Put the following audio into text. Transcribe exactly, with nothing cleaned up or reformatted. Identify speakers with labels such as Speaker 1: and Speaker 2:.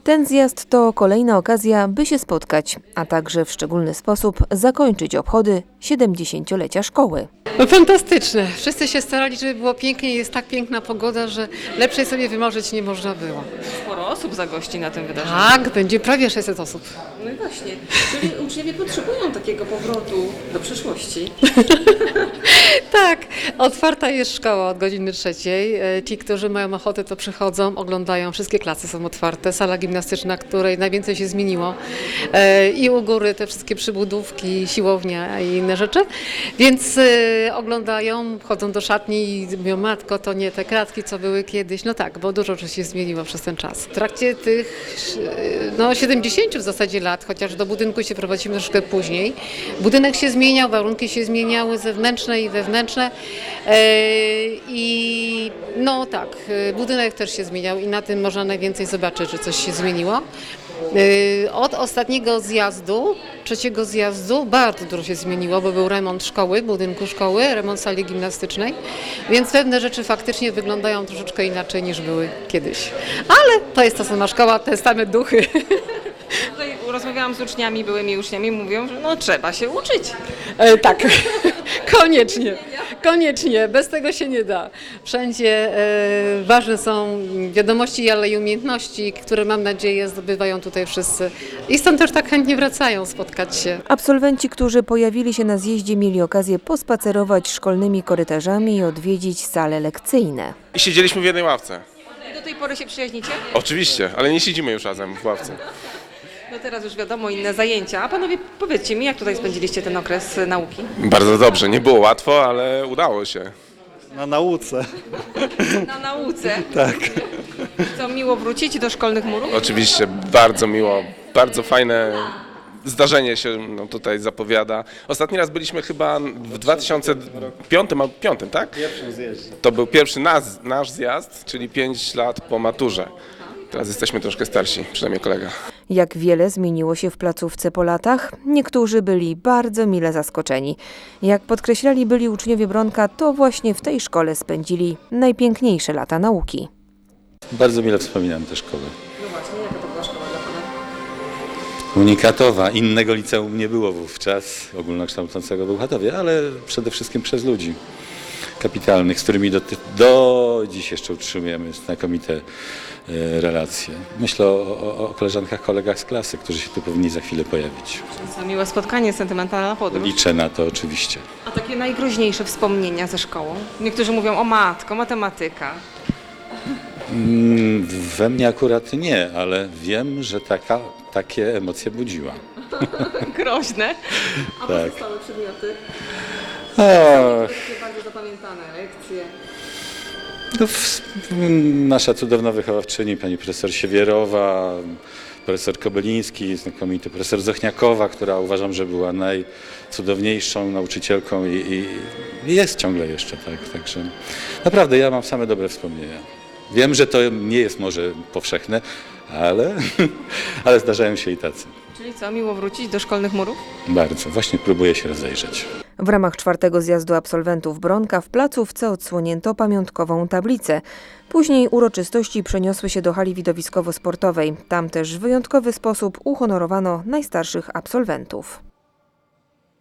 Speaker 1: Ten zjazd to kolejna okazja, by się spotkać, a także w szczególny sposób zakończyć obchody siedemdziesięciolecia szkoły.
Speaker 2: No fantastyczne. Wszyscy się starali, żeby było pięknie. Jest tak piękna pogoda, że lepszej sobie wymarzyć nie można było.
Speaker 3: Sporo osób zagości na tym wydarzeniu.
Speaker 2: Tak, będzie prawie sześćset osób.
Speaker 3: No i właśnie, czyli uczniowie potrzebują takiego powrotu do przeszłości.
Speaker 2: Tak, otwarta jest szkoła od godziny trzeciej. E, Ci, którzy mają ochotę, to przychodzą, oglądają. Wszystkie klasy są otwarte. Sala gimnastyczna, której najwięcej się zmieniło. E, I u góry te wszystkie przybudówki, siłownia i inne rzeczy. Więc e, oglądają, chodzą do szatni i mówią, matko, to nie te kratki, co były kiedyś. No tak, bo dużo rzeczy się zmieniło przez ten czas. W trakcie tych e, no, siedemdziesięciu w zasadzie lat, chociaż do budynku się prowadzimy troszkę później, budynek się zmieniał, warunki się zmieniały zewnętrzne i wewnętrzne. E, I no tak, e, budynek też się zmieniał i na tym można najwięcej zobaczyć, że coś się zmieniło. E, Od ostatniego zjazdu, trzeciego zjazdu bardzo dużo się zmieniło, bo był remont szkoły, budynku szkoły, remont sali gimnastycznej, więc pewne rzeczy faktycznie wyglądają troszeczkę inaczej niż były kiedyś. Ale to jest ta sama szkoła, te same duchy.
Speaker 3: Tutaj rozmawiałam z uczniami, byłymi uczniami, mówią, że no trzeba się uczyć.
Speaker 2: E, tak, koniecznie, koniecznie, bez tego się nie da. Wszędzie e, ważne są wiadomości, ale i umiejętności, które mam nadzieję zdobywają tutaj wszyscy. I stąd też tak chętnie wracają spotkać się.
Speaker 1: Absolwenci, którzy pojawili się na zjeździe, mieli okazję pospacerować szkolnymi korytarzami i odwiedzić sale lekcyjne.
Speaker 4: I siedzieliśmy w jednej ławce.
Speaker 3: I do tej pory się przyjaźnicie?
Speaker 4: Oczywiście, ale nie siedzimy już razem w ławce.
Speaker 3: No teraz już wiadomo, inne zajęcia. A panowie, powiedzcie mi, jak tutaj spędziliście ten okres e, nauki?
Speaker 4: Bardzo dobrze, nie było łatwo, ale udało się.
Speaker 5: Na nauce.
Speaker 3: Na nauce. Tak. Co, miło wrócić do szkolnych murów?
Speaker 4: Oczywiście bardzo miło, bardzo fajne zdarzenie się no, tutaj zapowiada. Ostatni raz byliśmy chyba w dwa tysiące piątym, albo piątym, tak?
Speaker 5: Pierwszym zjeździe.
Speaker 4: To był pierwszy nas, nasz zjazd, czyli pięć lat po maturze. Teraz jesteśmy troszkę starsi, przynajmniej kolega.
Speaker 1: Jak wiele zmieniło się w placówce po latach, niektórzy byli bardzo mile zaskoczeni. Jak podkreślali byli uczniowie Bronka, to właśnie w tej szkole spędzili najpiękniejsze lata nauki.
Speaker 6: Bardzo mile wspominam tę szkołę.
Speaker 3: No właśnie, jaka to była szkoła dla pana?
Speaker 6: Unikatowa. Innego liceum nie było wówczas, ogólnokształcącego w Bełchatowie, ale przede wszystkim przez ludzi kapitalnych, z którymi do, do dziś jeszcze utrzymujemy znakomite e, relacje. Myślę o, o, o koleżankach, kolegach z klasy, którzy się tu powinni za chwilę pojawić.
Speaker 3: Co, miłe spotkanie, sentymentalna podróż.
Speaker 6: Liczę na to oczywiście.
Speaker 3: A takie najgroźniejsze wspomnienia ze szkołą? Niektórzy mówią o matko, matematyka.
Speaker 6: Mm, We mnie akurat nie, ale wiem, że taka, takie emocje budziła.
Speaker 3: Groźne. A
Speaker 6: Tak.
Speaker 3: pozostałe przedmioty?
Speaker 6: Och.
Speaker 3: Takie bardzo zapamiętane lekcje.
Speaker 6: No, w, nasza cudowna wychowawczyni, pani profesor Siewierowa, profesor Kobeliński, znakomity profesor Zochniakowa, która uważam, że była najcudowniejszą nauczycielką i, i jest ciągle jeszcze, tak. Także naprawdę ja mam same dobre wspomnienia. Wiem, że to nie jest może powszechne, ale, ale zdarzają się i tacy.
Speaker 3: Czyli co, miło wrócić do szkolnych murów?
Speaker 6: Bardzo. Właśnie próbuję się rozejrzeć.
Speaker 1: W ramach czwartego zjazdu absolwentów Bronka w placówce odsłonięto pamiątkową tablicę. Później uroczystości przeniosły się do hali widowiskowo-sportowej. Tam też w wyjątkowy sposób uhonorowano najstarszych absolwentów.